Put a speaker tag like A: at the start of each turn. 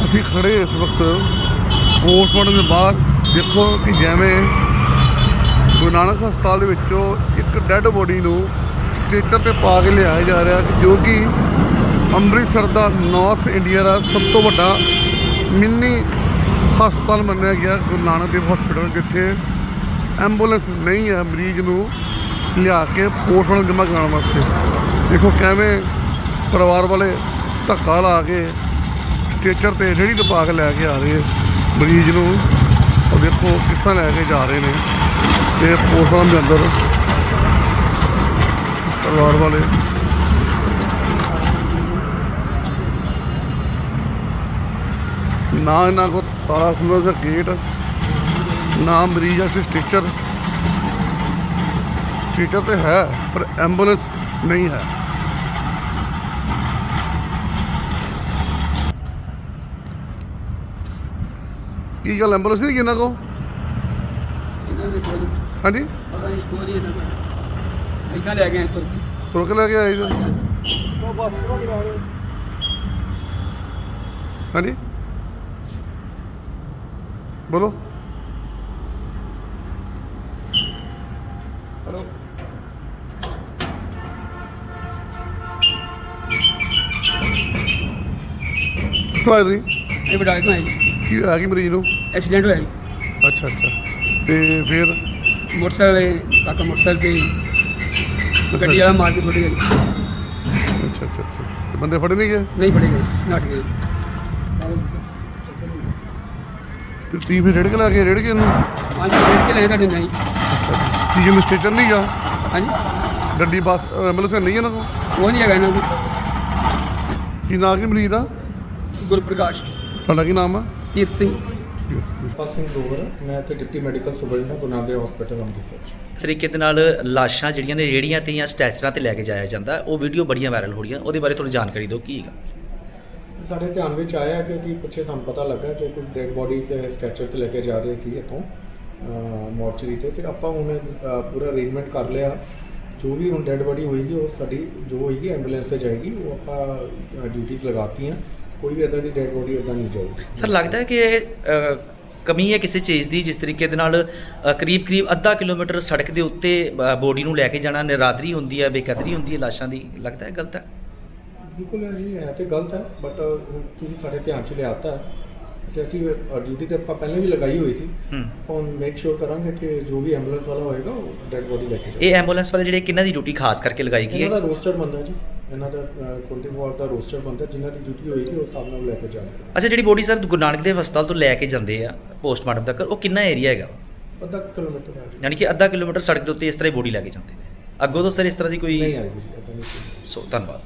A: ਅਸੀਂ ਖੜੇ ਇਸ ਵਕਤ ਪੋਸਟਮਾਰਟਮ ਦੇ ਬਾਹਰ। ਦੇਖੋ ਕਿ ਜਿਵੇਂ ਗੁਰੂ ਨਾਨਕ ਹਸਪਤਾਲ ਦੇ ਵਿੱਚੋਂ ਇੱਕ ਡੈੱਡ ਬੋਡੀ ਨੂੰ ਸਟ੍ਰੈਚਰ 'ਤੇ ਪਾ ਕੇ ਲਿਆਇਆ ਜਾ ਰਿਹਾ, ਜੋ ਕਿ ਅੰਮ੍ਰਿਤਸਰ ਦਾ ਨਾਰਥ ਇੰਡੀਆ ਦਾ ਸਭ ਤੋਂ ਵੱਡਾ ਮਿੰਨੀ ਹਸਪਤਾਲ ਮੰਨਿਆ ਗਿਆ ਗੁਰੂ ਨਾਨਕ ਦੇਵ ਹਸਪੀਟਲ, ਜਿੱਥੇ ਐਂਬੂਲੈਂਸ ਨਹੀਂ ਹੈ ਮਰੀਜ਼ ਨੂੰ ਲਿਆ ਕੇ ਪੋਸਟਮਾਰਟਮ ਜਮ੍ਹਾਂ ਕਰਾਉਣ ਵਾਸਤੇ। ਦੇਖੋ ਕਿਵੇਂ ਪਰਿਵਾਰ ਵਾਲੇ ਧੱਕਾ ਲਾ ਕੇ ਸਟ੍ਰੈਚਰ 'ਤੇ ਰੇਹੜੀ 'ਤੇ ਪਾ ਕੇ ਲੈ ਕੇ ਆ ਰਹੇ ਮਰੀਜ਼ ਨੂੰ। ਉਹ ਦੇਖੋ ਕਿਸ ਤਰ੍ਹਾਂ ਲੈ ਕੇ ਜਾ ਰਹੇ ਨੇ ਤੇ ਪੋਸਟਮਾਰਟਮ ਦੇ ਅੰਦਰ ਪਰਿਵਾਰ ਵਾਲੇ। ਨਾ ਇਹਨਾਂ ਕੋਲ ਤਾਲਾ ਖੁੱਲ੍ਹਾ ਦਾ ਗੇਟ, ਨਾ ਮਰੀਜ਼ ਵਾਸਤੇ ਸਟ੍ਰੈਚਰ ਤੇ ਹੈ ਪਰ ਐਂਬੂਲੈਂਸ ਨਹੀਂ ਹੈ। ਕੀ ਗੱਲ ਐਂਬੂਲੈਂਸ ਨਹੀਂ ਇਹਨਾਂ ਕੋਲ? ਹਾਂਜੀ ਤੁਰ ਕੇ ਲੈ ਕੇ ਆਏ ਜੀ। ਹਾਂਜੀ ਬੋਲੋ। ਹੈਲੋ ਕਿੱਥੋਂ ਆਏ ਤੁਸੀਂ?
B: ਇਹ ਬਟਾਲੇ ਤੋਂ ਆਏ ਜੀ।
A: ਕੀ ਹੋਇਆ ਕਿ ਮਰੀਜ਼ ਨੂੰ?
B: ਐਕਸੀਡੈਂਟ ਹੋਇਆ ਜੀ।
A: ਅੱਛਾ ਤੇ ਫਿਰ
B: ਮੋਟਰਸਾਈਕਲ ਕਾਕਾ ਮੋਟਰਸਾਈਕਲ ਤੇ ਗੱਡੀ ਵਾਲਾ ਮਾਰ ਕੇ ਸੁੱਟ ਗਿਆ ਜੀ।
A: ਅੱਛਾ ਤੇ ਬੰਦੇ ਫੜੇ ਨਹੀਂ ਗਏ?
B: ਨਹੀਂ ਫੜੇ ਗਏ, ਨੱਠ ਗਏ।
A: ਤੇ ਤੁਸੀਂ ਫਿਰ ਰੇੜ ਕੇ ਲੈ ਕੇ ਇਹਨੂੰ?
B: ਹਾਂਜੀ ਰੇੜ ਕੇ ਲੈ ਤੁਹਾਡੇ ਨਹੀਂ।
A: ਕੀ ਜਿਹਨੂੰ ਸਟੇਸ਼ਨ ਨਹੀਂ ਗਿਆ?
B: ਹਾਂਜੀ
A: ਗੱਡੀ ਬੱਸ ਐਂਬੂਲੈਂਸ ਨਹੀਂ ਇਹਨਾਂ ਕੋਲ?
B: ਉਹ ਨਹੀਂ ਹੈਗਾ ਇਹਨਾਂ ਕੋਲ।
A: ਕੀ ਨਾਂ ਕੀ ਮਰੀਜ਼ ਦਾ?
B: ਗੁਰਪ੍ਰਕਾਸ਼।
A: ਤੁਹਾਡਾ ਕੀ ਨਾਮ ਆ?
B: ਕੀਰਤ ਸਿੰਘ।
C: ਪਾਲ ਸਿੰਘ ਦੋਵਰ, ਮੈਂ ਇੱਥੇ deputy medical superintendent Guru Nanak Dev hospital Amritsar.
D: ਤਰੀਕੇ ਦੇ ਨਾਲ ਲਾਸ਼ਾਂ ਜਿਹੜੀਆਂ ਨੇ ਰੇਹੜੀਆਂ ਤੇ ਜਾਂ ਸਟੈਚਰਾਂ ਤੇ ਲੈ ਕੇ ਜਾਇਆ ਜਾਂਦਾ, ਉਹ ਵੀਡੀਓ ਬੜੀਆਂ ਵਾਇਰਲ ਹੋ ਰਹੀਆਂ, ਉਹਦੇ ਬਾਰੇ ਥੋੜੀ ਜਾਣਕਾਰੀ ਦਿਓ ਕੀ ਹੈਗਾ।
C: ਸਾਡੇ ਧਿਆਨ ਵਿੱਚ ਆਇਆ ਕਿ ਅਸੀਂ ਪਿੱਛੇ ਸਾਨੂੰ ਪਤਾ ਲੱਗਾ ਕਿ ਕੁਝ ਡੈਡ ਬੋਡੀਜ਼ ਸਟੈਚਰ ਤੇ ਲੈ ਕੇ ਜਾ ਰਹੇ ਸੀ ਇੱਥੋਂ ਮੋਰਚਰੀ ਤੇ ਆਪਾਂ ਹੁਣ ਪੂਰਾ ਅਰੇਂਜਮੈਂਟ ਕਰ ਲਿਆ। ਜੋ ਵੀ ਹੁਣ ਡੈਡ ਬੋਡੀ ਹੋਏਗੀ ਉਹ ਸਾਡੀ ਜੋ ਹੋਏਗੀ ਐਂਬੂਲੈਂਸ ਤੇ ਜਾਏਗੀ। ਉਹ ਆਪਾਂ ਡਿਊਟੀਆਂ ਲਗਾਤੀਆਂ, ਕੋਈ ਵੀ ਇੱਦਾਂ ਦੀ ਡੈਡ ਬੋਡੀ ਇੱਦਾਂ ਨਹੀਂ ਜਾਊਗੀ।
D: ਸਰ ਲੱਗਦਾ ਹੈ ਕਿ ਕਮੀ ਹੈ ਕਿਸੇ ਚੀਜ਼ ਦੀ, ਜਿਸ ਤਰੀਕੇ ਦੇ ਨਾਲ ਕਰੀਬ ਅੱਧਾ ਕਿਲੋਮੀਟਰ ਸੜਕ ਦੇ ਉੱਤੇ ਬੋਡੀ ਨੂੰ ਲੈ ਕੇ ਜਾਣਾ ਨਿਰਾਦਰੀ ਹੁੰਦੀ ਹੈ, ਬੇਕਦਰੀ ਹੁੰਦੀ ਹੈ ਲਾਸ਼ਾਂ ਦੀ, ਲੱਗਦਾ ਹੈ ਗਲਤ ਹੈ?
C: ਬਿਲਕੁਲ ਹੈ ਜੀ, ਹੈ ਤੇ ਗਲਤ ਹੈ, ਬਟ ਤੁਸੀਂ ਸਾਡੇ ਧਿਆਨ 'ਚ ਲਿਆਤਾ। ਅਸੀਂ ਡਿਊਟੀ ਤੇ ਆਪਾਂ ਪਹਿਲਾਂ ਵੀ ਲਗਾਈ ਹੋਈ ਸੀ। ਹੁਣ ਮੇਕ ਸ਼ੋਰ ਕਰਾਂਗੇ ਕਿ ਜੋ ਵੀ ਐਂਬੂਲੈਂਸ ਵਾਲਾ ਹੋਏਗਾ ਉਹ ਡੈਡ ਬੋਡੀ ਲੈ ਕੇ ਜਾਏ।
D: ਇਹ ਐਂਬੂਲੈਂਸ ਵਾਲੇ ਜਿਹੜੇ ਕਿਹਨਾਂ ਦੀ ਡਿਊਟੀ ਖਾਸ ਕਰਕੇ ਲਗਾਈ ਗਈ ਹੈ?
C: ਇਹਨਾਂ ਦਾ ਰੋਸਟਰ ਬਣਦਾ ਜੀ, ਇਹਨਾਂ ਦਾ 24 ਆਵਰ ਦਾ ਰੋਸਟਰ ਬਣਦਾ, ਜਿਨ੍ਹਾਂ ਦੀ ਡਿਊਟੀ ਹੋਏਗੀ ਉਸ ਹਿਸਾਬ ਨਾਲ ਲੈ ਕੇ ਜਾਣਗੇ।
D: ਅੱਛਾ, ਜਿਹੜੀ ਬੋਡੀ ਸਰ ਗੁਰੂ ਨਾਨਕ ਦੇਵ ਹਸਪਤਾਲ ਤੋਂ ਲੈ ਕੇ ਜਾਂਦੇ ਆ ਪੋਸਟਮਾਰਟਮ ਤੱਕ, ਉਹ ਕਿੰਨਾ ਏਰੀਆ ਹੈਗਾ?
C: ਅੱਧਾ ਕਿਲੋਮੀਟਰ ਹੈ ਜੀ।
D: ਯਾਨੀ ਕਿ ਅੱਧਾ ਕਿਲੋਮੀਟਰ ਸੜਕ ਦੇ ਉੱਤੇ ਇਸ ਤਰ੍ਹਾਂ ਹੀ ਬੋਡੀ ਲੈ ਕੇ ਜਾਂਦੇ ਨੇ। ਅੱਗੋਂ ਤੋਂ ਸਰ ਇਸ ਤਰ੍ਹਾਂ ਦੀ ਕੋਈ
C: ਨਹੀਂ ਆਏਗੀ ਜੀ, ਇੱਦਾਂ ਨਹੀਂ।
D: ਸੋ ਧੰਨਵਾਦ।